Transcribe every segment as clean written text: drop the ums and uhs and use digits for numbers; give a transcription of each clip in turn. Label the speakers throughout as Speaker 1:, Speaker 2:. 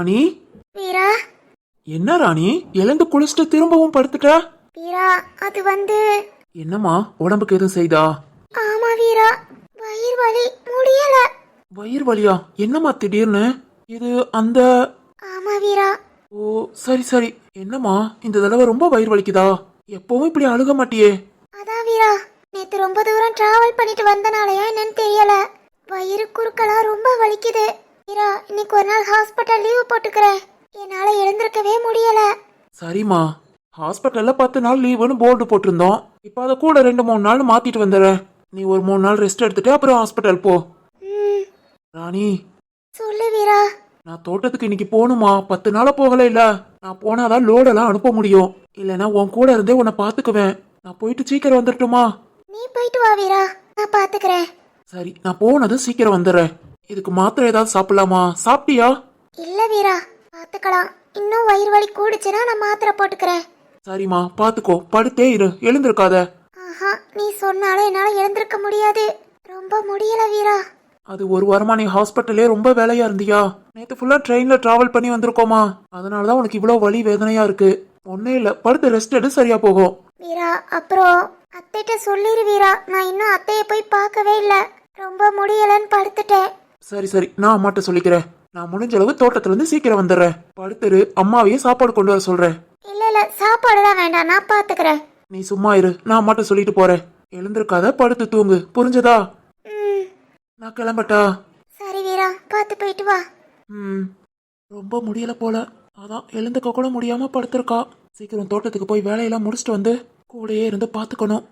Speaker 1: ராணி.
Speaker 2: வீரா.
Speaker 1: என்ன ராணி, எழுந்து குளிச்சுட்டு திரும்பவும் படுத்துட்ட?
Speaker 2: வீரா, அது
Speaker 1: என்னம்மா, உடம்புக்கு எதுவும் செய்தா?
Speaker 2: ஆமா வீரா, வயிறு வலி, முடியல.
Speaker 1: வயிறு வலியா? என்னம்மா திடீர்னு இது? அந்த
Speaker 2: ஆமா வீரா.
Speaker 1: ஓ, சரி சரி. என்னம்மா, இந்த தடவை ரொம்ப வயிறு வலிக்குதா? எப்பவும் இப்படி அழுக மாட்டியே.
Speaker 2: அதான் வீரா, நேத்து ரொம்ப தூரம் டிராவல் பண்ணிட்டு வந்தனாலயா என்னன்னு தெரியல, வயிறு குறுக்கெல்லாம் ரொம்ப வலிக்குது. வீரா, இன்னைக்கு ஒரு நாள் ஹாஸ்பிட்டல் லீவு போட்டுக்கிறேன். என்னால எழுந்திருக்கவே முடியல.
Speaker 1: சரிம்மா, ஹாஸ்பிட்டல்ல 10 நாள் லீவுன்னு போர்டு போட்டிருந்தோம். இப்ப அதை கூட 2-3 நாள் மாத்திட்டு வந்துடுறேன். நீ ஒரு 3 நாள் ரெஸ்ட் எடுத்துட்டு அப்புறம் ஹாஸ்பிட்டல் போ. ராணி.
Speaker 2: சொல்லு வீரா.
Speaker 1: நான் தோட்டத்துக்கு இன்னைக்கு போகணுமா? 10 நாளா போகல. இல்ல, நான் போனாதான் லோடெல்லாம் அனுப்ப முடியும். இல்லனா உன் கூட இருந்தே உன்னை பாத்துக்குவேன். நான் போயிட்டு சீக்கிரம் வந்துட்டுமா?
Speaker 2: நீ போயிட்டு வா வீரா, நான் பாத்துக்கிறேன்.
Speaker 1: சரி, நான் போனதும் சீக்கிரம் வந்துடுறேன். இதுக்கு மாத்திரை ஏதாவது சாப்பிடலாமா? சாப்பிட்டியா?
Speaker 2: இல்ல வீரா, பாத்துக்கலாம். இன்னும் வயிறு வலி கூடுச்சுன்னா நான் மாத்திரை போட்டுக்கிறேன்.
Speaker 1: சரிம்மா, பாத்துக்கோ. படுத்தே இரு, எழுந்திருக்காத.
Speaker 2: ஆஹா, நீ சொன்னாலும் என்னால எழுந்திருக்க முடியாது. ரொம்ப முடியல வீரா.
Speaker 1: அது ஒரு வாரமா நீ ஹாஸ்பிட்டலே ரொம்ப வேலையா இருந்தியா? நேத்து ஃபுல்லா ட்ரெயின்ல டிராவல் பண்ணி வந்திருக்கோமா, அதனாலதான் உனக்கு இவ்வளவு வலி வேதனையா இருக்கு. ஒன்னே இல்ல, படுத்து ரெஸ்ட் எடு, சரியா போகும்.
Speaker 2: வீரா, அப்புறம் அத்தைட்ட சொல்லிரு வீரா, நான் இன்னும் அத்தைய போய் பார்க்கவே இல்ல. ரொம்ப முடியலன்னு படுத்துட்டேன்.
Speaker 1: சரி சரி, நான் அம்மாட்ட சொல்லிக்கிறேன். நான் முடிஞ்ச அளவு தோட்டத்துல இருந்து சீக்கிரம் வந்துடுறேன். படுத்துரு, அம்மாவையே சாப்பாடு கொண்டு வர சொல்றேன்.
Speaker 2: இல்ல இல்ல, சாப்பாடுலாம் வேண்டாம், நான் பாத்துக்கிறேன்.
Speaker 1: நீ சும்மா இரு, நான் அம்மாட்ட சொல்லிட்டு போறேன். எழுந்திருக்காத, படுத்து தூங்கு, புரிஞ்சதா? நான் கிளம்பட்டா?
Speaker 2: சரி வீரா, பாத்து போயிட்டு வா.
Speaker 1: ரொம்ப முடியல போல, அதான் எழுந்துக்க கூட முடியாம படுத்திருக்கா. சீக்கிரம் தோட்டத்துக்கு போய் வேலையெல்லாம் முடிச்சுட்டு வந்து கூடயே இருந்து பாத்துக்கணும்.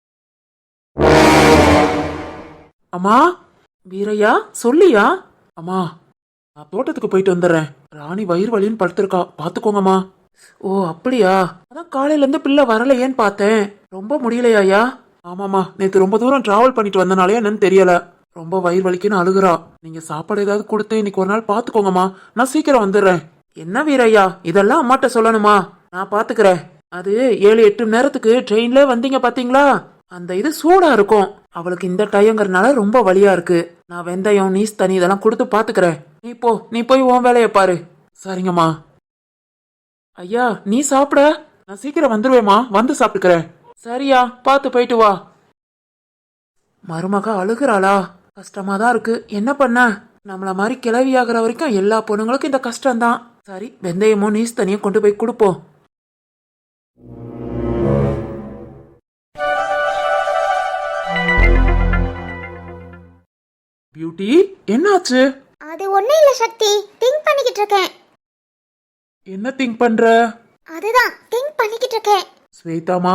Speaker 1: அம்மா. வீரையா, சொல்லியா? அம்மா, நான் தோட்டத்துக்கு போயிட்டு வந்துடுறேன். ராணி வயிறு வலின்னு படுத்திருக்கா, பாத்துக்கோங்கம்மா. ஓ அப்படியா? அதான் காலையில இருந்து பிள்ளை வரலையேன்னு பார்த்தேன். ரொம்ப முடியலையா? ஆமாமா, நேத்து ரொம்ப தூரம் டிராவல் பண்ணிட்டு வந்தனாலே என்னன்னு தெரியல, ரொம்ப வயிறு வலிக்குன்னு அழுகுறா. நீங்க சாப்பாடு ஏதாவது கொடுத்து இன்னைக்கு ஒரு நாள் பாத்துக்கோங்கம்மா. நான் சீக்கிரம் வந்துடுறேன். என்ன வீரையா, இதெல்லாம் அம்மாட்ட சொல்லணுமா? நான் பாத்துக்கிறேன். அது 7-8 மணி நேரத்துக்கு ட்ரெயின்ல வந்தீங்க பாத்தீங்களா, அந்த இது சூடா இருக்கும். அவளுக்கு இந்த டயங்கிறதுனால ரொம்ப வலியா இருக்கு. நான் வெந்தயம், நீஸ் தண்ணி இதெல்லாம் கொடுத்து பாத்துக்கிறேன். நீ போய் உன் வேலைய பாரு. சரிங்கம்மா. ஐயா, நீ சாப்பிட? நான் சீக்கிரம் வந்துருவேமா, வந்து சாப்பிட்டுக்கிறேன். சரியா, பாத்து போயிட்டு வா. மருமக அழுகுறாளா? கஷ்டமாதான் இருக்கு. என்ன பண்ண, நம்மள மாதிரி கிளவி ஆகுற வரைக்கும் எல்லா பொண்ணுங்களுக்கும் இந்த கஷ்டம்தான். சரி, வெந்தயமும் நீஸ் தண்ணியும் கொண்டு போய் கொடுப்போம். பியூட்டி, என்னாச்சு?
Speaker 2: அது ஒண்ணு இல்ல சக்தி, திங்க் பண்ணிக்கிட்டு இருக்கேன்.
Speaker 1: என்ன திங்க் பண்ற?
Speaker 2: அதுதான் திங்க் பண்ணிக்கிட்டு இருக்கேன்.
Speaker 1: ஸ்வேதாமா,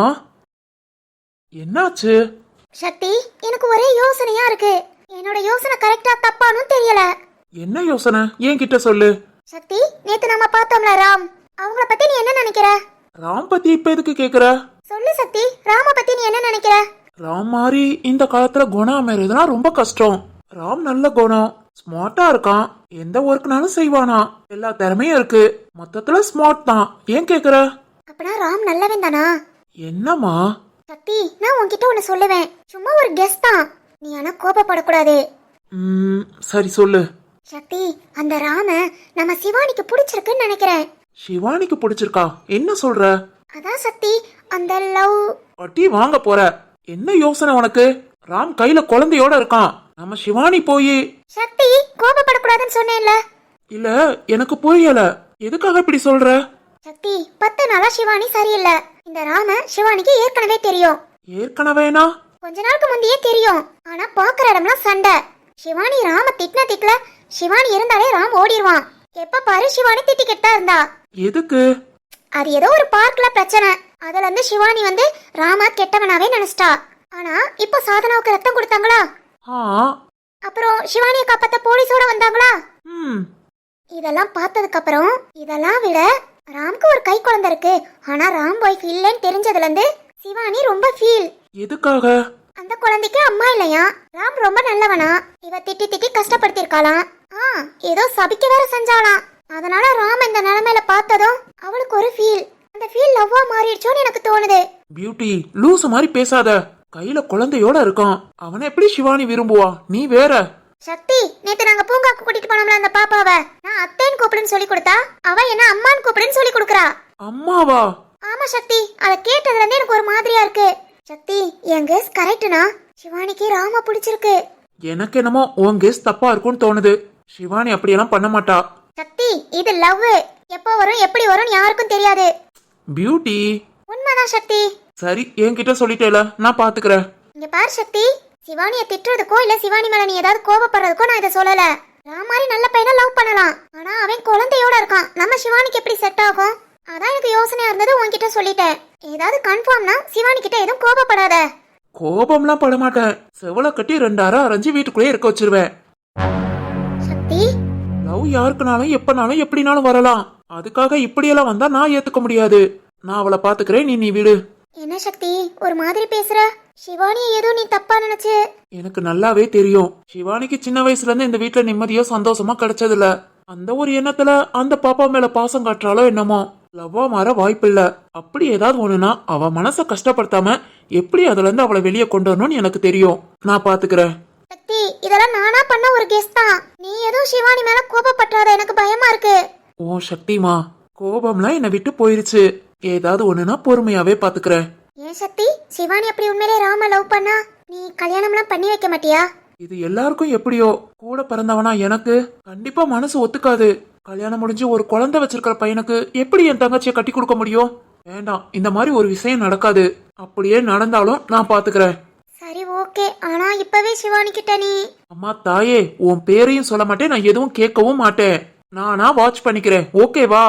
Speaker 1: என்னாச்சு?
Speaker 2: சக்தி, எனக்கு ஒரே யோசனையா இருக்கு. என்னோட யோசனை கரெக்டா தப்பானு தெரியல.
Speaker 1: என்ன யோசனை? என்கிட்ட சொல்லு.
Speaker 2: சக்தி, நேத்து நம்ம பார்த்தோம்ல ராம், அவங்கள பத்தி நீ என்ன நினைக்கிற?
Speaker 1: ராம் பத்தி இப்ப எதுக்கு கேக்குற?
Speaker 2: சொல்லு சக்தி, ராம பத்தி நீ என்ன நினைக்கிற?
Speaker 1: ராம் மாதிரி இந்த காலத்துல குணம் அமைறதுனா ரொம்ப கஷ்டம். ராம் நல்ல குணம், ஸ்மார்ட்டா இருக்கான். எந்த ஒர்க்னாலும் செய்வானா, எல்லா திறமையும் இருக்கு. மொத்தத்துல ஸ்மார்ட் தான். ஏன் கேக்குற?
Speaker 2: அப்பனா ராம் நல்லவன் தானா?
Speaker 1: என்னம்மா?
Speaker 2: சக்தி, நான் உன்கிட்ட ஒன்னு சொல்லுவேன். சும்மா ஒரு கெஸ் தான், நீ ஆனா கோபப்படக்கூடாது.
Speaker 1: சரி சொல்லு.
Speaker 2: சக்தி, அந்த ராம நம்ம சிவானிக்கு பிடிச்சிருக்குன்னு நினைக்கிறேன்.
Speaker 1: சிவானிக்கு பிடிச்சிருக்கா? என்ன சொல்ற?
Speaker 2: அதான் சக்தி, அந்த லவ்.
Speaker 1: பட்டி வாங்க போற? என்ன யோசனை உனக்கு? ராம் கையில குழந்தையோட இருக்கான். நம்ம சிவானி போய்.
Speaker 2: சக்தி, கோபப்படக்கூடாதுன்னு சொன்னேன்ல.
Speaker 1: இல்ல, எனக்கு புரியல, எதுக்காக இப்படி சொல்ற?
Speaker 2: சக்தி, 10 நாளா சிவானி சரியில்லை. இந்த ராம சிவானிக்கு ஏற்கனவே தெரியும்.
Speaker 1: ஏற்கனவேனா?
Speaker 2: கொஞ்ச நாளுக்கு முந்தையே தெரியும். ஆனா பாக்குற இடம்லாம் சண்டை. சிவானி ராம திட்டின சிவானி இருந்தாலே ராம் ஓடிடுவான். எப்ப பாரு சிவானி திட்டிக்கிட்டு தான் இருந்தா.
Speaker 1: எதுக்கு?
Speaker 2: அது ஏதோ ஒரு பார்க்ல பிரச்சனை. அதுல இருந்து சிவானி ராம கெட்டவனாவே நினைச்சிட்டா. ஆனா இப்ப சாதனாவுக்கு ரத்தம் கொடுத்தாங்களா, அப்புறம் சிவானியை காப்பாத்த போலீஸோட வந்தாங்களா. இதெல்லாம் பார்த்ததுக்கு அப்புறம், இதெல்லாம் விட ராம்க்கு ஒரு கை குழந்தை இருக்கு, ஆனா ராம் ஒய்ஃப் இல்லைன்னு தெரிஞ்சதுல இருந்து சிவானி ரொம்ப ஃபீல்.
Speaker 1: எதுக்காக?
Speaker 2: அந்த குழந்தைக்கு அம்மா இல்லையா, ராம் ரொம்ப நல்லவனா, இவ திட்டி திட்டி கஷ்டப்படுத்திருக்காளாம். ஏதோ சபிக்க வேற செஞ்சாலாம். அதனால ராம் இந்த நிலைமையில பார்த்ததும் அவளுக்கு ஒரு ஃபீல். அந்த ஃபீல் லவ்வா மாறிடுச்சோன்னு எனக்கு தோணுது.
Speaker 1: பியூட்டி, லூசு மாதிரி பேசாத. கையில குழந்தையோட இருக்கான், அவனை எப்படி சிவானி விரும்புவா? நீ வேற.
Speaker 2: சக்தி, நேத்து நாங்க பூங்காக்கு கூட்டிட்டு போனோம்ல அந்த பாப்பாவ, நான் அத்தைன்னு கூப்பிடுன்னு சொல்லி கொடுத்தா அவ என்ன அம்மான்னு கூப்பிடுன்னு சொல்லி கொடுக்கறா.
Speaker 1: அம்மாவா?
Speaker 2: ஆமா சக்தி, அத கேட்டதுல இருந்து எனக்கு ஒரு மாதிரியா இருக்கு. சக்தி, என் கெஸ் கரெக்ட்னா? சிவானிக்கு ராமா பிடிச்சிருக்கு.
Speaker 1: எனக்கு என்னமோ உன் கெஸ் தப்பா இருக்கும்னு தோணுது. சிவானி அப்படியெல்லாம் பண்ண மாட்டா.
Speaker 2: சக்தி, இது லவ். எப்போ வரும் எப்படி வரும்னு யாருக்கும் தெரியாது.
Speaker 1: பியூட்டி.
Speaker 2: உண்மைதான் சக்தி.
Speaker 1: சரி, என்கிட்ட சொல்லிட்டேல, நான் பாத்துக்கிறேன்.
Speaker 2: இங்க பாரு சக்தி, சிவானிய திட்டுறதுக்கோ இல்ல சிவானி மேல நீ ஏதாவது கோபப்படுறதுக்கோ நான் இதை சொல்லல. நான் மாதிரி நல்ல பையனை லவ் பண்ணலாம், ஆனா அவன் குழந்தையோட இருக்கான். நம்ம சிவானிக்கு எப்படி செட் ஆகும்? அதான் எனக்கு யோசனையா இருந்தது, உன்கிட்ட சொல்லிட்டேன். ஏதாவது கன்ஃபார்ம்னா சிவானி கிட்ட எதுவும் கோபப்படாத.
Speaker 1: கோபம்லாம் பட மாட்டேன். செவல கட்டி 2 அரை அரைஞ்சு வீட்டுக்குள்ளே இருக்க வச்சிருவேன்.
Speaker 2: சக்தி,
Speaker 1: லவ் யாருக்குனாலும் எப்பனாலும் எப்படினாலும் வரலாம். அதுக்காக இப்படியெல்லாம் வந்தா நான் ஏத்துக்க முடியாது. நான் அவளை பாத்துக்கிறேன், நீ விடு.
Speaker 2: என்ன சக்தி ஒரு மாதிரி பேசுற? சிவானியை ஏதோ நீ தப்பா நினைச்சு.
Speaker 1: எனக்கு நல்லாவே தெரியும், சிவானிக்கு சின்ன வயசுல இருந்து இந்த வீட்டுல நிம்மதியோ சந்தோஷமா கிடைச்சதில்ல. அந்த ஒரு எண்ணத்துல அந்த பாப்பா மேல பாசம் காட்டுறாளோ என்னமோ. லவ்வா மாற வாய்ப்பில்ல. அப்படி ஏதாவது ஒண்ணுனா அவ மனச கஷ்டப்படுத்தாம எப்படி அதுல இருந்து அவளை வெளியே கொண்டு வரணும்னு எனக்கு தெரியும். நான் பாத்துக்கிறேன்.
Speaker 2: சக்தி, இதெல்லாம் நானா பண்ண ஒரு கெஸ் தான். நீ எதுவும் சிவானி மேல கோபப்பட்டாத, எனக்கு பயமா இருக்கு.
Speaker 1: ஓ சக்திமா, கோபம்லாம் என்னை விட்டு போயிருச்சு. ஏதாவது ஒண்ணுனா பொறுமையாவே பாத்துக்கிறேன்.
Speaker 2: ஏன் சக்தி, சிவானி அப்படி உண்மையிலே ராம லவ் பண்ணா நீ கல்யாணம்லாம் பண்ணி வைக்க மாட்டியா?
Speaker 1: இது எல்லாருக்கும் எப்படியோ, கூட பிறந்தவனா எனக்கு கண்டிப்பா மனசு ஒத்துக்காது. கல்யாணம் முடிஞ்சு ஒரு குழந்தை வச்சிருக்கிற பையனுக்கு எப்படி என் தங்கச்சியை கட்டி கொடுக்க முடியும்? வேண்டாம், இந்த மாதிரி ஒரு விஷயம் நடக்காது. அப்படியே நடந்தாலும் நான் பாத்துக்கிறேன்.
Speaker 2: சரி ஓகே, ஆனா இப்பவே சிவானி கிட்ட நீ.
Speaker 1: அம்மா தாயே, உன் பேரையும் சொல்ல மாட்டேன், நான் எதுவும் கேட்கவும் மாட்டேன். நானா வாட்ச் பண்ணிக்கிறேன், ஓகேவா?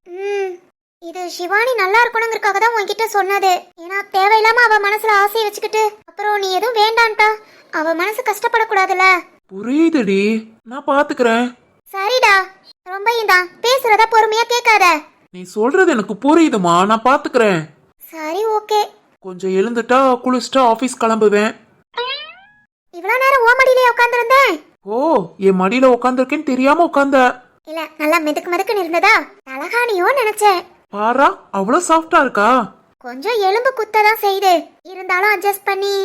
Speaker 2: இது சிவானி நல்லா இருக்கணுங்கிறதுக்காக தான் உன்கிட்ட சொன்னது. ஏன்னா தேவையில்லாம அவ மனசுல ஆசையை வச்சுக்கிட்டு அப்புறம் நீ எதுவும் வேண்டான்ட்டா அவ மனசு கஷ்டப்படக்கூடாதுல.
Speaker 1: புரியுதுடி, நான் பாத்துக்கிறேன்.
Speaker 2: சரிடா, ரொம்ப தான் பேசுறத பொறுமையா கேட்காத.
Speaker 1: நீ சொல்றது எனக்கு புரியுதுமா, நான் பாத்துக்கிறேன்.
Speaker 2: சரி ஓகே.
Speaker 1: கொஞ்சம் எழுந்துட்டா குளிச்சுட்டா ஆபீஸ் கிளம்புவேன்.
Speaker 2: இவ்வளவு நேரம் ஓ மடியிலே உட்கார்ந்திருந்தேன்.
Speaker 1: ஓ, என் மடியில உட்காந்துருக்கேன்னு தெரியாம உட்கார்ந்த?
Speaker 2: இல்ல, நல்லா மெதுக்கு மெதுக்குன்னு இருந்ததா தலகாணியோ நினைச்சேன்.
Speaker 1: பாரா, அவ்வளவு சாஃப்டா இருக்கா?
Speaker 2: கொஞ்சம் எலும்பு குத்ததான் செய்யுது, இருந்தாலும் அட்ஜஸ்ட் பண்ணி.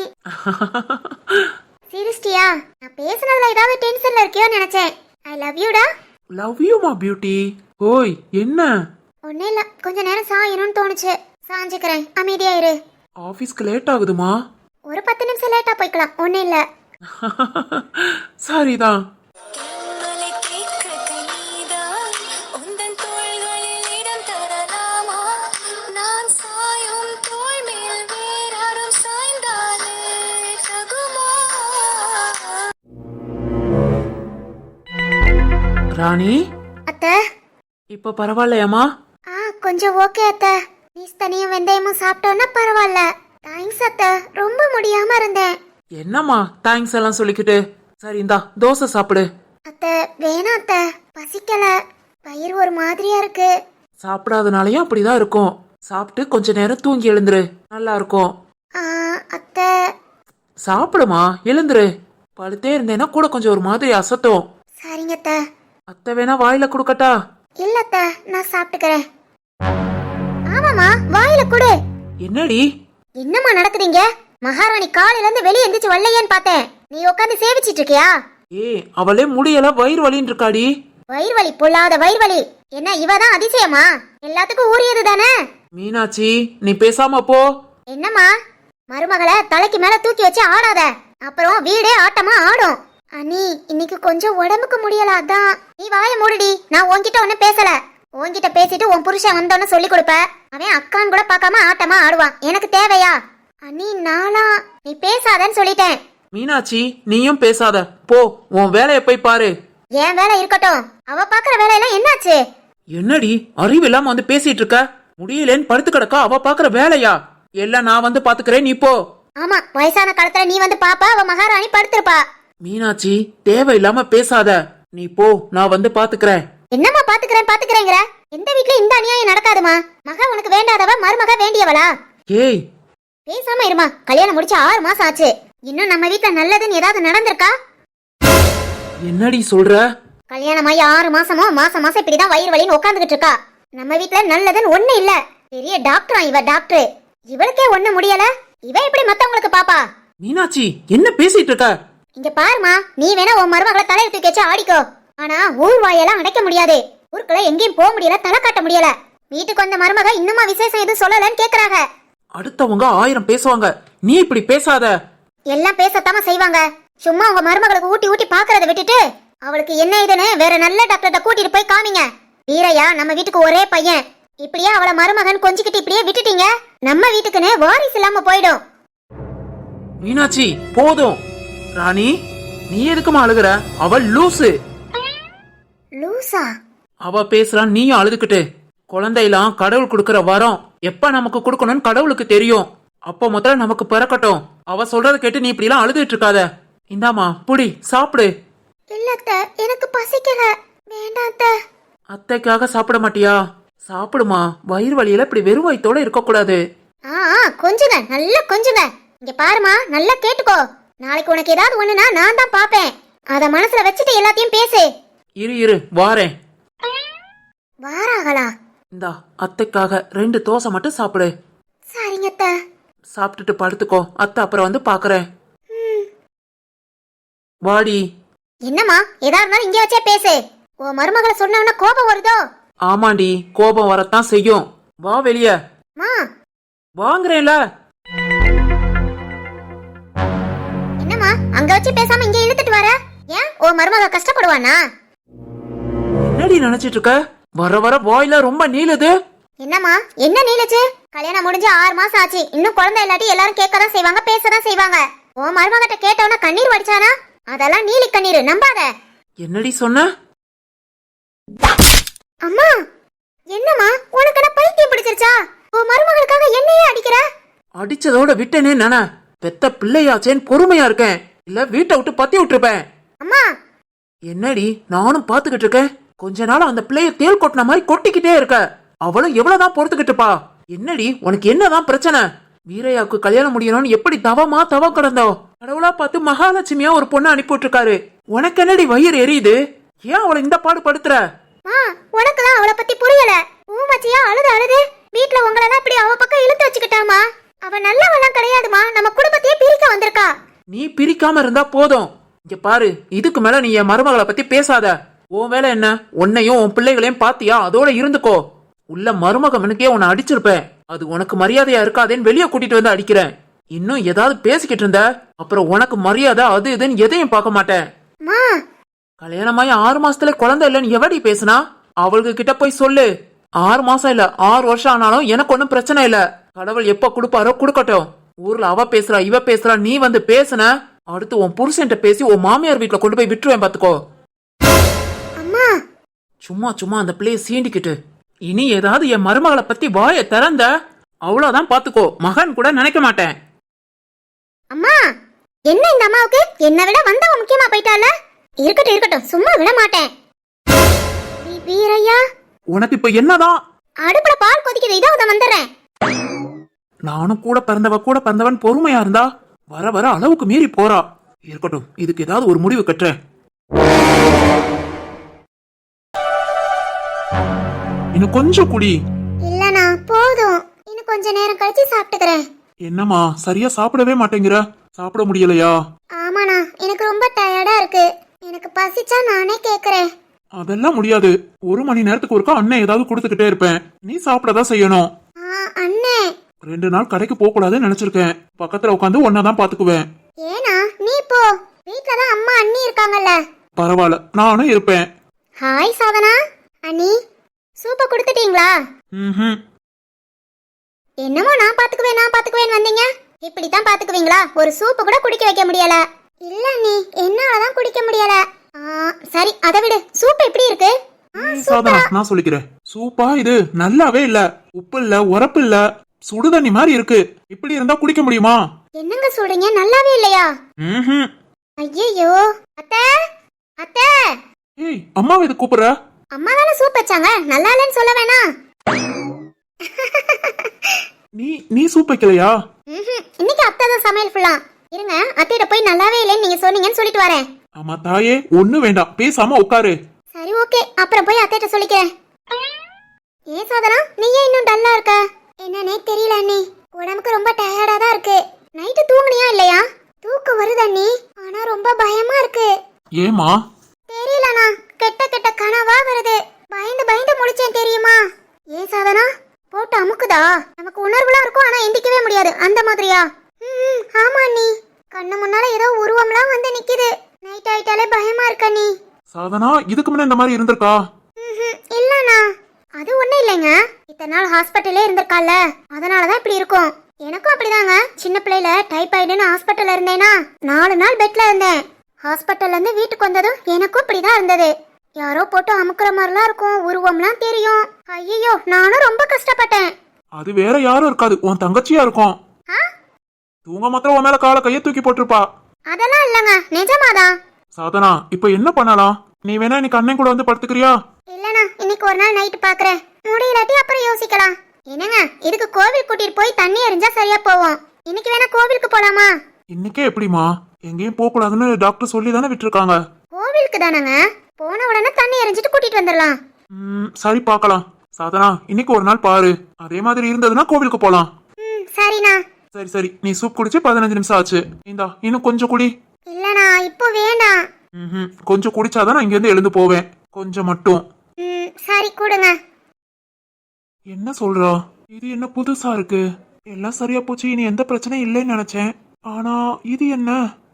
Speaker 2: சீரியஸ்டியா? நான் பேசுனதுல ஏதாவது டென்ஷன்ல இருக்கியோ நினைச்சேன். ஐ லவ் யூடா.
Speaker 1: லவ் யூ மா பியூட்டி. ஓய், என்ன?
Speaker 2: ஒண்ணே இல்ல, கொஞ்ச நேரம் சாயணும்னு தோணுச்சு, சாஞ்சுக்கிறேன். அமைதியா இரு.
Speaker 1: ஆபீஸ்க்கு லேட் ஆகுதுமா?
Speaker 2: ஒரு 10 நிமிஷம் லேட்டா போய்க்கலாம், ஒண்ணு இல்ல.
Speaker 1: சரிதான். ராணி,
Speaker 2: அத்தை.
Speaker 1: இப்ப பரவாயில்லையாமா?
Speaker 2: கொஞ்சம் ஓகே அத்தை. நீஸ் தனியும் வெந்தயமும் சாப்பிட்டோன்னா பரவாயில்ல. தேங்க்ஸ் அத்தை, ரொம்ப முடியாம இருந்தேன்.
Speaker 1: என்னம்மா தேங்க்ஸ் எல்லாம் சொல்லிக்கிட்டு. சரி, இந்தா தோசை சாப்பிடு.
Speaker 2: அத்தை வேணாம் அத்தை, பசிக்கல. வயிறு ஒரு மாதிரியா இருக்கு.
Speaker 1: சாப்பிடாதனாலயும் அப்படிதான் இருக்கும். சாப்பிட்டு கொஞ்ச நேரம் தூங்கி எழுந்துரு, நல்லா இருக்கும்.
Speaker 2: அத்தை.
Speaker 1: சாப்பிடுமா, எழுந்துரு. படுத்தே இருந்தேன்னா கூட கொஞ்சம் ஒரு மாதிரி அசத்தும்.
Speaker 2: சரிங்க அத்தை.
Speaker 1: அத்தை வேணா வாயில குடுக்கட்டா?
Speaker 2: இல்ல அத்தை, நான் சாப்பிட்டுக்கிறேன். ஆமாமா, வாயில குடு.
Speaker 1: என்னடி?
Speaker 2: என்னம்மா நடக்குதுங்க? மகாராணி காலையில இருந்து வெளியே எந்திரிச்சு வரலையேன்னு பார்த்தேன். நீ உட்காந்து சேவிச்சிட்டு இருக்கியா?
Speaker 1: அவளே முடியல, வயிறு வலின்னு இருக்காடி.
Speaker 2: வயிறு வலி, பொல்லாத வயிறு வலி. என்ன இவதான் அதிசயமா? எல்லாத்துக்கும் ஊறியது தானே.
Speaker 1: மீனாட்சி, நீ பேசாம போ.
Speaker 2: என்னம்மா, மருமகளை தலைக்கு மேல தூக்கி வச்சு ஆடாத, அப்புறம் வீடே ஆட்டமா ஆடும். அண்ணி, இன்னைக்கு கொஞ்சம் உடம்புக்கு முடியல, அதான். நீ வாய மூடுடி, நான் உன்கிட்ட ஒன்னும் பேசல. உன்கிட்ட பேசிட்டு உன் புருஷன் வந்தோன்னு சொல்லி கொடுப்ப. அவன் அக்கான்னு கூட பார்க்காம ஆட்டமா ஆடுவான். எனக்கு தேவையா? அண்ணி, நானா? நீ பேசாதன்னு சொல்லிட்டேன்.
Speaker 1: மீனாட்சி, நீயும் பேசாத, போ, உன் வேலைய போய் பாரு.
Speaker 2: என் வேலை இருக்கட்டும், அவ பாக்குற வேலையெல்லாம் என்னாச்சு?
Speaker 1: என்னடி அறிவு இல்லாம வந்து பேசிட்டு இருக்க? முடியலன்னு படுத்து கிடக்கா, அவ பாக்குற வேலையா? எல்லாம் நான் வந்து பாத்துக்கிறேன், நீ போ.
Speaker 2: ஆமா, வயசான காலத்துல நீ வந்து பாப்பா, அவ மகாராணி படுத்திருப்பா.
Speaker 1: மீனாட்சி, தேவையில்லாம பேசாத, நீ போ, நான் வந்து பாத்துக்கிறேன்.
Speaker 2: என்னம்மா பாத்துக்கிறேங்கிற? எந்த வீட்ல இந்த அநியாயம் நடக்காதுமா. மக உனக்கு வேண்டாதவ, மருமக வேண்டியவளா?
Speaker 1: ஏய்,
Speaker 2: பேசாம இருமா. கல்யாணம் முடிச்சு 6 மாசம் ஆச்சு, இன்னும் நம்ம வீட்ல நல்லதுன்னு ஏதாவது நடந்திருக்கா?
Speaker 1: என்னடி சொல்ற?
Speaker 2: கல்யாணமாயி 6 மாசமா மாசம் மாசம் இப்படிதான் வயிறு வலின்னு உட்காந்துக்கிட்டு இருக்கா. நம்ம வீட்ல நல்லதுன்னு ஒண்ணு இல்ல. பெரிய டாக்டரா இவ, டாக்டர். இவளுக்கே ஒண்ணு முடியல, இவ எப்படி மத்தவங்களுக்கு பாப்பா?
Speaker 1: மீனாட்சி, என்ன பேசிட்டு இருக்க?
Speaker 2: இங்க பாருமா, நீ வேணா உன் மருமகளை தலையில தூக்கி வச்சு ஆடிக்கோ. ஆனா ஊர் வாயெல்லாம் அடைக்க முடியாது. ஊருக்குள்ள எங்கேயும் போக முடியல, தலை காட்ட முடியல. வீட்டுக்கு வந்த மருமக இன்னுமா விசேஷம் எதுவும் சொல்லலன்னு கேக்குறாங்க.
Speaker 1: அடுத்தவங்க 1000 பேசுவாங்க, நீ இப்படி பேசாத.
Speaker 2: எல்லாம் பேசத்தாம செய்வாங்க. சும்மா உங்க மருமகளுக்கு ஊட்டி ஊட்டி பாக்குறத விட்டுட்டு அவளுக்கு என்ன இதுன்னு வேற நல்ல டாக்டர்கிட்ட கூட்டிட்டு போய் காமிங்க. வீரையா நம்ம வீட்டுக்கு ஒரே பையன். இப்படியே அவளை மருமகன் கொஞ்சிக்கிட்டு இப்படியே விட்டுட்டீங்க, நம்ம வீட்டுக்குன்னு வாரிசு இல்லாம போயிடும்.
Speaker 1: மீனாட்சி போதும். ராணி, நீ எதுக்குமா அழுகுற? அவள் லூசு.
Speaker 2: லூசா?
Speaker 1: அவ பேசுறான், நீயும் அழுதுகிட்டு. குழந்தையெல்லாம் கடவுள் கொடுக்கற வரம், எப்ப நமக்கு கொடுக்கணும்னு கடவுளுக்கு தெரியும். அப்போ முதல்ல நமக்கு பிறக்கட்டும். அவ சொல்றத கேட்டு நீ இப்படி எல்லாம் அழுதுட்டு இருக்காத. இந்தாமா புடி, சாப்பிடு.
Speaker 2: இல்லத்த, எனக்கு பசிக்கல. வேண்டாத்த.
Speaker 1: அத்தைக்காக சாப்பிட மாட்டியா? சாப்பிடுமா, வயிறு வலியில இப்படி வெறும் வயித்தோட இருக்க கூடாது.
Speaker 2: கொஞ்சுங்க, நல்லா கொஞ்சுங்க. இங்க பாருமா, நல்லா கேட்டுக்கோ. நாளைக்கு உனக்கு ஏதாவது ஒண்ணுனா நான் தான் பாப்பேன். அத மனசுல வச்சுட்டு எல்லாத்தையும் பேசு.
Speaker 1: இரு இரு வாரேன்.
Speaker 2: வாராங்களா?
Speaker 1: இந்தா அத்தைக்காக 2 தோசை மட்டும் சாப்பிடு.
Speaker 2: சரிங்கத்த.
Speaker 1: சாப்பிட்டுட்டு படுத்துக்கோ, அத்தை அப்புறம் வந்து பாக்குறேன். வாடி.
Speaker 2: என்னம்மா, ஏதா இருந்தாலும் இங்க வச்சே பேசு. உன் மருமகளை சொன்னவன கோபம் வருதோ?
Speaker 1: ஆமாண்டி, கோபம் வரத்தான் செய்யும். வா வெளிய.
Speaker 2: மா
Speaker 1: வாங்குறேன்ல.
Speaker 2: என்னம்மா அங்க வச்சு பேசாம இங்க இழுத்துட்டு வர? ஏன் உன் மருமக கஷ்டப்படுவானா?
Speaker 1: என்னடி நினைச்சிட்டு இருக்க? வர வர வாயில ரொம்ப நீளுது.
Speaker 2: என்னம்மா, என்ன நீளுச்சு? கல்யாணம் முடிஞ்சு 6 மாசம் ஆச்சு. இன்னும் குழந்தை இல்லாட்டி எல்லாரும் கேட்கதான் செய்வாங்க, பேசதான் செய்வாங்க. உன் மருமகிட்ட கேட்டவன கண்ணீர் வடிச்சானா? அதெல்லாம் நீலி கண்ணீர், நம்பாத.
Speaker 1: என்னடி சொன்ன?
Speaker 2: அம்மா, என்னம்மா உனக்கு என்ன பைத்தியம் பிடிச்சிருச்சா? உன் மருமகளுக்காக என்னையே அடிக்கிற?
Speaker 1: அடிச்சதோட விட்டேனே நானே. பெத்த பிள்ளையாச்சேன்னு பொறுமையா இருக்கேன், இல்ல வீட்டை விட்டு பத்தி விட்டுருப்பேன்.
Speaker 2: அம்மா
Speaker 1: என்னடி நானும் பாத்துக்கிட்டு இருக்கேன். கொஞ்ச நாள் அந்த பிள்ளைய தேள் கொட்டின மாதிரி கொட்டிக்கிட்டே இருக்க. அவளும் எவ்வளவுதான் பொறுத்துக்கிட்டு இருப்பா? என்னடி உனக்கு என்னதான் பிரச்சனை? வீரையாவுக்கு கல்யாணம் முடியணும்னு எப்படி தவம் கிடந்தோ, கடவுளா பார்த்து மகாலட்சுமியா ஒரு பொண்ணு அனுப்பிட்டு இருக்காரு. உனக்கு என்னடி வயிறு எரியுது? ஏன் அவளை இந்த பாடு படுத்துற?
Speaker 2: உனக்குலாம் அவளை பத்தி புரியல. ஊமச்சியா அழுது வீட்டுல உங்களெல்லாம் இப்படி அவ பக்கம் இழுத்து வச்சுக்கிட்டாமா. அவ நல்லவெல்லாம் கிடையாதுமா, நம்ம குடும்பத்தையே பிரிக்க வந்திருக்கா.
Speaker 1: நீ பிரிக்காம இருந்தா போதும். இங்க பாரு, இதுக்கு மேல நீ என் மருமகளை பத்தி பேசாத. உன் வேலை என்ன? உன்னையும் உன் பிள்ளைகளையும் பாத்தியா, அதோட இருந்துக்கோ. உள்ள மருமகனுக்கே உன்னை அடிச்சிருப்பேன். அது உனக்கு மரியாதையா இருக்காதேன்னு வெளியே கூட்டிட்டு வந்து அடிக்கிறேன். இன்னும் ஏதாவது பேசிக்கிட்டு இருந்த அப்புறம் உனக்கு மரியாதை அது இதுன்னு எதையும் பார்க்க மாட்டேன். கல்யாணமாயி 6 மாசத்துல குழந்தை இல்லன்னு எவடி பேசுனா? அவளுக்கு கிட்ட போய் சொல்லு. 6 மாசம் இல்ல 6 வருஷம் ஆனாலும் எனக்கு ஒன்னும் பிரச்சனை இல்ல. கடவுள் எப்ப கொடுப்பாரோ கொடுக்கட்டும். ஊர்ல அவ பேசுறா இவ பேசுறா, நீ வந்து பேசுன அடுத்து உன் புருஷன்ட்ட பேசி உன் மாமியார் வீட்டுல கொண்டு போய் விட்டுருவேன் பாத்துக்கோ. சும்மா சும்மா அந்த பிள்ளைய சீண்டிக்கிட்டு இனி ஏதாவது என் மருமகளை பத்தி வாய திறந்த அவ்வளவுதான் பாத்துக்கோ. மகன் கூட நினைக்க மாட்டேன்.
Speaker 2: அம்மா, என்ன இந்த அம்மாவுக்கு என்ன விட வந்தவ முக்கியமா போயிட்டால? இருக்கட்டும் இருக்கட்டும், சும்மா விட மாட்டேன். வீரையா,
Speaker 1: உனக்கு இப்ப என்னதான்?
Speaker 2: அடுப்புல பால் கொதிக்குது, இதோ வந்துடுறேன்.
Speaker 1: நானும் கூட பிறந்தவன் பொறுமையா இருந்தா வர வர அளவுக்கு மீறி போறா. இருக்கட்டும், இதுக்கு ஏதாவது ஒரு முடிவு கட்டுறேன். இன்னும் கொஞ்சம் குடி.
Speaker 2: இல்லனா போதும், இன்னும் கொஞ்ச நேரம் கழிச்சு சாப்பிட்டுக்கிறேன்.
Speaker 1: என்னம்மா சரியா சாப்பிடவே மாட்டேங்கிற? சாப்பிட முடியலையா?
Speaker 2: ஆமாண்ணா, எனக்கு ரொம்ப டயர்டா இருக்கு. எனக்கு பசிச்சா நானே கேக்குறேன்.
Speaker 1: அதெல்லாம் முடியாது. 1 மணி நேரத்துக்கு ஒருக்கா அண்ணன் ஏதாவது கொடுத்துக்கிட்டே இருப்பேன். நீ சாப்பிடதான் செய்யணும்.
Speaker 2: அண்ணே,
Speaker 1: 2 நாள் கடைக்கு போக கூடாதுன்னு நினைச்சிருக்கேன். பக்கத்துல உட்காந்து ஒன்னதான் பாத்துக்குவேன்.
Speaker 2: ஏனா நீ போ, வீட்லதான் அம்மா அண்ணி இருக்காங்கல்ல.
Speaker 1: பரவாயில்ல, நானும் இருப்பேன்.
Speaker 2: ஹாய் சாதனா அண்ணி, சூப்ப கொடுத்துட்டீங்களா? என்னமோ நான் பாத்துக்குவேன் வந்தீங்க. இப்படித்தான் பாத்துக்குவீங்களா? ஒரு சூப்பு கூட குடிக்க வைக்க முடியல. இல்ல நீ, என்னாலதான் குடிக்க முடியல. சரி அதை விடு. சூப் எப்படி இருக்கு?
Speaker 1: சாதனா, நான் சொல்லிக்கிறேன். சூப்பா இது நல்லாவே இல்ல. உப்பு இல்ல, உரப்பு இல்ல, சுடுதண்ணி மாதிரி இருக்கு. இப்படி இருந்தா குடிக்க முடியுமா?
Speaker 2: என்னங்க சொல்றீங்க? நல்லாவே இல்லையா? ஐயோ, அத்தை அத்தை.
Speaker 1: ஏய், அம்மாவை இது கூப்பிடுற?
Speaker 2: அம்மா தானே சூப் வச்சாங்க, நல்லா இல்லைன்னு சொல்ல வேணா?
Speaker 1: நீ சூப் வைக்கலையா?
Speaker 2: இன்னைக்கு அத்தை தான் சமையல் ஃபுல்லா. இருங்க, அத்தையிட்ட போய் நல்லாவே இல்லைன்னு நீங்க சொன்னீங்கன்னு சொல்லிட்டு வரேன்.
Speaker 1: ஆமா தாயே, ஒண்ணு வேண்டாம், பேசாம உட்காரு.
Speaker 2: சரி ஓகே, அப்புறம் போய் அத்தையிட்ட சொல்லிக்கிறேன். ஏன் சாதனா, நீ ஏன் இன்னும் டல்லா இருக்க? என்னன்னே தெரியல அண்ணி, உடம்புக்கு ரொம்ப டயர்டா தான் இருக்கு. நைட்டு தூங்குனியா இல்லையா? தூக்கம் வருது அண்ணி, ஆனா ரொம்ப
Speaker 1: ஏமா?
Speaker 2: தெரியலண்ணா, கெட்ட கெட்ட கனவா வருது. பயந்து பயந்து முழிச்சேன் தெரியுமா? ஏன் சாதனா போட்டு அமுக்குதா? நமக்கு உணர்வுலாம் இருக்கும், ஆனா எந்திக்கவே முடியாது, அந்த மாதிரியா? ஆமா நீ. கண்ணு முன்னால ஏதோ உருவம்லாம் வந்து நிக்குது. நைட் ஆயிட்டாலே பயமா இருக்க நீ.
Speaker 1: சாதனா இதுக்கு முன்ன இந்த மாதிரி இருந்திருக்கா?
Speaker 2: இல்லண்ணா, அது ஒண்ணும் இல்லைங்க. இத்தனை நாள் ஹாஸ்பிட்டல்லே இருந்திருக்கால, அதனாலதான் இப்படி இருக்கும். எனக்கும் அப்படிதாங்க. சின்ன பிள்ளைல டைபாய்டுன்னு ஹாஸ்பிட்டல்ல இருந்தேனா 4 நாள் பெட்ல இருந்தேன். ஹாஸ்பிட்டல்ல இருந்து வீட்டுக்கு வந்ததும் எனக்கும் இப்படிதான் இருந்தது. யாரோ போட்டு அமுக்குற மாதிரிலாம் இருக்கும், உருவம்லாம் தெரியும். ஐயோ, நானும் ரொம்ப கஷ்டப்பட்டேன்.
Speaker 1: அது வேற யாரும் இருக்காது, உன் தங்கச்சியா இருக்கும். தூங்க மாத்திரம் உன் மேல காலை கைய தூக்கி போட்டிருப்பா.
Speaker 2: அதெல்லாம் இல்லங்க, நிஜமாதான்.
Speaker 1: சாதனா இப்ப என்ன பண்ணலாம்? நீ வேணா இன்னைக்கு அண்ணன் கூட வந்து படுத்துக்கிறியா?
Speaker 2: இல்லண்ணா, இன்னைக்கு ஒரு நாள் நைட்டு பாக்குறேன். முடியலாட்டி அப்புறம் யோசிக்கலாம். என்னங்க, இதுக்கு கோவில் கூட்டிட்டு போய் தண்ணி எறிஞ்சா சரியா போவோம். இன்னைக்கு வேணா கோவிலுக்கு போலாமா?
Speaker 1: இன்னைக்கே எப்படிமா? எங்கேயும் போக கூடாதுன்னு டாக்டர் சொல்லி தானே விட்டுருக்காங்க.
Speaker 2: கோவிலுக்கு தானங்க, போன உடனே தண்ணி எறிஞ்சிட்டு கூட்டிட்டு வந்துடலாம்.
Speaker 1: சரி பார்க்கலாம். சாதனா இன்னைக்கு ஒரு நாள் பாரு, அதே மாதிரி இருந்ததுன்னா கோவிலுக்கு போலாம்.
Speaker 2: சரிண்ணா.
Speaker 1: சரி சரி, நீ சூப் குடிச்சு 15 நிமிஷம் ஆச்சு. இந்தா இன்னும் கொஞ்சம் குடி.
Speaker 2: இல்லண்ணா, இப்போ வேண்டாம்.
Speaker 1: கொஞ்சம் குடிச்சாதான் நான் இங்க இருந்து எழுந்து போவேன். கொஞ்சம் மட்டும்.
Speaker 2: சரி கொடுங்க.
Speaker 1: என்ன சொல்றா? இது என்ன புதுசா இருக்கு? எல்லாம் சரியா போச்சு, இனி எந்த பிரச்சனையும் இல்லைன்னு நினைச்சேன். ஆனா இது என்ன?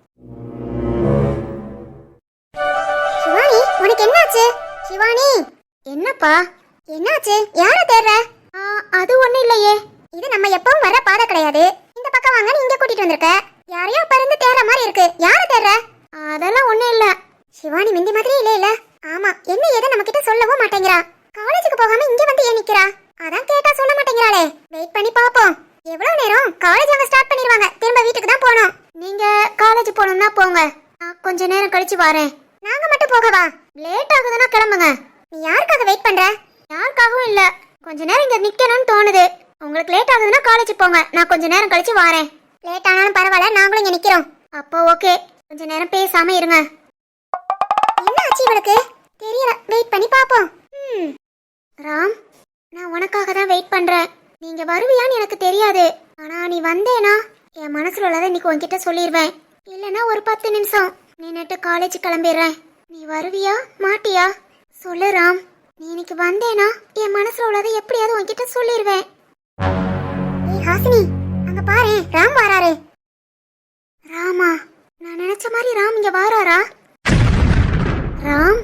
Speaker 2: சிவானி, உனக்கு என்னாச்சு? சிவானி, என்னப்பா என்னாச்சு? யார தேடுற? அது ஒண்ணு இல்லையே. இது நம்ம எப்பவும் வர பாதை கிடையாது. இந்த பக்கம் வாங்க, நீ இங்க கூட்டிட்டு வந்திருக்க. யாரையோ பறந்து தேடுற மாதிரி இருக்கு. யார தேடுற? அதெல்லாம் ஒண்ணு இல்ல. சிவானி மிந்தி மாதிரி இல்ல. ஆமா, என்ன ஏதோ நம்ம கிட்ட சொல்லவும் மாட்டேங்கிறா. காலேஜுக்கு போகாம இங்க வந்து ஏன் நிக்கிறா? அதான் கேட்டா சொல்ல மாட்டேங்கிறாளே. வெயிட் பண்ணி பாப்போம். எவ்வளவு நேரம்? காலேஜ் அவங்க ஸ்டார்ட் பண்ணிடுவாங்க. திரும்ப வீட்டுக்கு தான் போகணும். நீங்க காலேஜ் போகணும்னா போங்க, கொஞ்ச நேரம் கழிச்சு வரேன். நாங்க மட்டும் போகவா? லேட் ஆகுதுன்னா கிளம்புங்க. நீ யாருக்காக வெயிட் பண்ற? யாருக்காகவும் இல்ல, கொஞ்ச நேரம் இங்க நிக்கணும்னு தோணுது. உங்களுக்கு லேட் ஆகுதுன்னா காலேஜ் போங்க, நான் கொஞ்ச நேரம் கழிச்சு வரேன். லேட் ஆனாலும் பரவாயில்ல, நாங்களும் இங்க நிக்கிறோம். அப்போ ஓகே, கொஞ்ச நேரம் பேசாம இருங்க. என்ன ஆச்சு இவளுக்கு? தெரியல, வெயிட் பண்ணி பாப்போம். ராம், நான் உனக்காக தான் வெயிட் பண்றேன். நீங்க வருவியான்னு எனக்கு தெரியாது. ஆனா நீ வந்தேனா என் மனசுல உள்ளதை இன்னைக்கு உன்கிட்ட சொல்லிடுவேன். இல்லைன்னா ஒரு 10 நிமிஷம் நின்னுட்டு காலேஜ் கிளம்பிடுறேன். நீ வருவியா மாட்டியா? சொல்லு ராம். நீ இன்னைக்கு வந்தேனா என் மனசுல உள்ளதை எப்படியாவது உன்கிட்ட சொல்லிடுவேன். ஏய் ஹாசினி, அங்க பாரு, ராம் வராரு. ராமா? நான் நினைச்ச மாதிரி ராம் இங்க வாராரா? ராம்,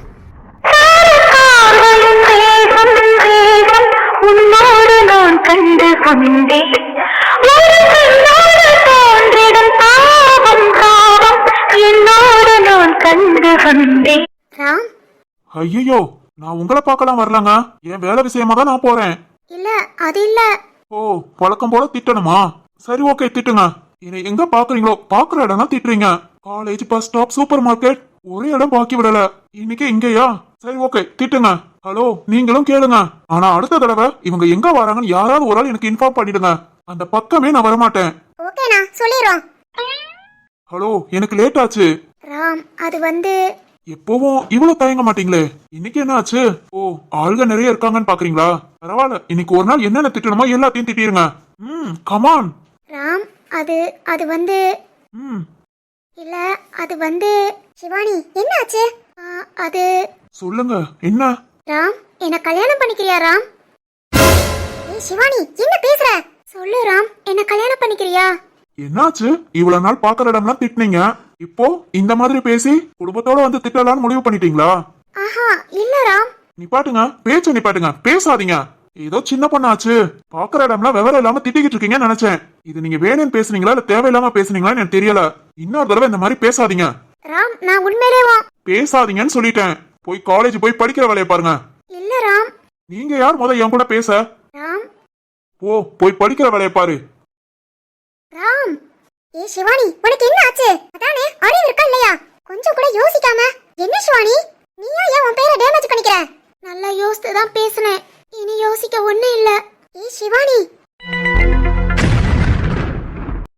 Speaker 3: உன்னோடு நான் கண்டு கொண்டேன். என்னோடு நான் கண்டு கொண்டேன்.
Speaker 2: ராம்.
Speaker 1: ஐயோ, நான் உங்களை பார்க்கலாம் வரலங்க. என் வேலை விஷயமா தான் நான் போறேன்.
Speaker 2: இல்ல, அது இல்ல.
Speaker 1: ஓ, பழக்கம் போல திட்டணுமா? சரி ஓகே, திட்டுங்க. என்னை எங்க பாக்குறீங்களோ பாக்குற இடம் திட்டுறீங்க. College, bus stop, supermarket, ஒரு இடம் பாக்கி விடல. இன்னைக்கு இங்கயா? சரி ஓகே, திட்டுங்க. ஹலோ, நீங்களும் கேளுங்க. ஆனா அடுத்த தடவை இவங்க எங்க வராங்கன்னு யாராவது ஒரு ஆள் எனக்கு இன்ஃபார்ம் பண்ணிடுங்க. அந்த பக்கமே நான் வரமாட்டேன்.
Speaker 2: ஓகேண்ணா, சொல்லிடுறோம்.
Speaker 1: ஹலோ, எனக்கு லேட் ஆச்சு.
Speaker 2: ராம், அது வந்து
Speaker 1: எப்பவும் இவ்வளவு தயங்க மாட்டீங்களே, இன்னைக்கு என்ன ஆச்சு? ஓ, ஆளுங்க நிறைய இருக்காங்கன்னு பாக்குறீங்களா? பரவாயில்ல, இன்னைக்கு ஒரு நாள் என்னென்ன திட்டணுமோ எல்லாத்தையும் திட்டிருங்க. கமான்.
Speaker 2: ராம், அது வந்து இல்ல, அது வந்து சிவானி, என்ன ஆச்சு? அது
Speaker 1: சொல்லுங்க, என்ன?
Speaker 2: ராம், என்ன கல்யாணம் பண்ணிக்கிறியா ராம்? ஏய் சிவானி, என்ன பேசுற? சொல்லு ராம், என்ன கல்யாணம் பண்ணிக்கிறியா?
Speaker 1: என்னாச்சு? இவ்வளவு நாள் பாக்குற இடம்லாம் திட்டினீங்க, இப்போ இந்த மாதிரி பேசி குடும்பத்தோட வந்து திட்டலாம்னு முடிவு பண்ணிட்டீங்களா?
Speaker 2: ஆஹா, இல்ல ராம்.
Speaker 1: நிப்பாட்டுங்க, பேச்ச நிப்பாட்டுங்க, பேசாதீங்க. ஏதோ சின்ன பொண்ணாச்சு, பாக்குற இடம்லாம் விவரம் இல்லாம திட்டிக்கிட்டு இருக்கீங்கன்னு நினைச்சேன். இது நீங்க வேணும்னு பேசுனீங்களா இல்ல தேவையில்லாம பேசுனீங்களான்னு எனக்கு தெரியல. இன்னொரு தடவை இந்த மாதிரி பேசாதீங்க.
Speaker 2: ராம், நான் உண்மையிலேயே
Speaker 1: பேசாதீங்கன்னு சொல்லிட்டேன். போய் காலேஜ் போய் படிக்கிற வேலையை பாருங்க.
Speaker 2: இல்ல ராம்.
Speaker 1: நீங்க யார் முத என் கூட பேச?
Speaker 2: ராம்,
Speaker 1: போய் படிக்கிற வேலையை பாரு.
Speaker 2: ராம். ஏய் சிவானி, உனக்கு என்ன ஆச்சு? அதானே